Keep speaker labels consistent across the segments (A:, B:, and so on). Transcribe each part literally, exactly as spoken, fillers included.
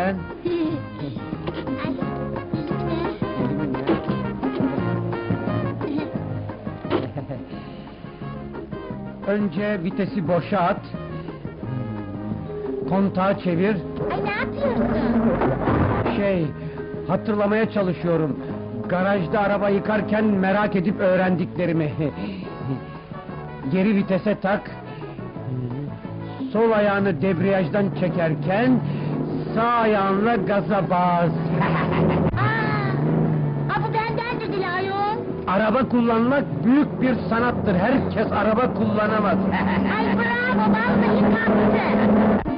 A: sen? Önce vitesi boşa at. Kontağı çevir.
B: Ay ne yapıyorsun?
A: Şey, hatırlamaya çalışıyorum. Garajda araba yıkarken merak edip öğrendiklerimi. Geri vitese tak. Sol ayağını debriyajdan çekerken sağ ayağınla gaza bas.
B: Aa, aa, bu benden de dili ayol.
A: Araba kullanmak büyük bir sanattır. Herkes araba kullanamaz.
B: Ay bravo, vallahi kaptı.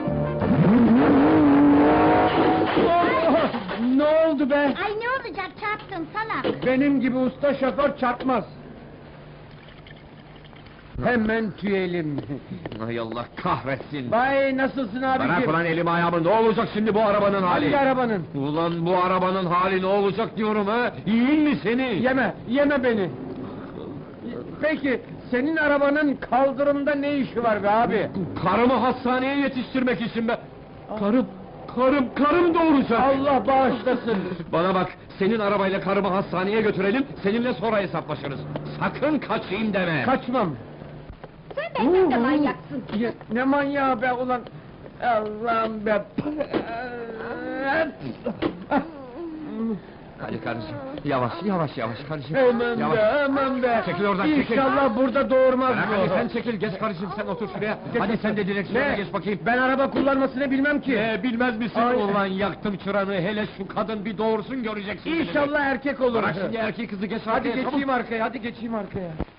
A: Oh, ne oldu be?
B: Ay ne olacak, çarptın salak.
A: Benim gibi usta şoför çarpmaz. Hemen tüyelim.
C: Ay Allah kahretsin!
A: Bay nasılsın
C: Bırak
A: abiciğim?
C: ulan elimi ayağımı, ne olacak şimdi bu arabanın hali?
A: Hangi arabanın?
C: Ulan bu arabanın hali ne olacak diyorum ha? Yiyin mi seni?
A: Yeme, yeme beni. Peki, senin arabanın kaldırımda ne işi var be abi?
C: Karımı hastaneye yetiştirmek için be! Karım, karım, karım doğuracak!
A: Allah bağışlasın.
C: Bana bak, senin arabayla karımı hastaneye götürelim, seninle sonra hesaplaşırız. Sakın kaçayım deme!
A: Kaçmam.
B: Sen benden de manyaksın.
A: Ya, ne manyağı be ulan! Allah'ım be!
C: Hadi karıcığım, yavaş, yavaş, yavaş karıcığım.
A: Hemen
C: Yavaş.
A: be, hemen be!
C: Çekil oradan, çekil!
A: İnşallah burada doğurmaz
C: Bırak hadi
A: bu.
C: sen çekil, geç karıcığım, sen otur şuraya.
A: Geç
C: Hadi
A: otur.
C: sen de direksiyona
A: Ne?
C: geç bakayım.
A: Ben araba kullanmasını bilmem ki.
C: Ee, bilmez misin
A: Ay.
C: ulan, yaktım çıranı, hele şu kadın bir doğursun göreceksin.
A: İnşallah erkek olur.
C: Bırak şimdi erkek kızı, geç
A: Hadi
C: arkaya, çabuk.
A: geçeyim arkaya, hadi geçeyim arkaya.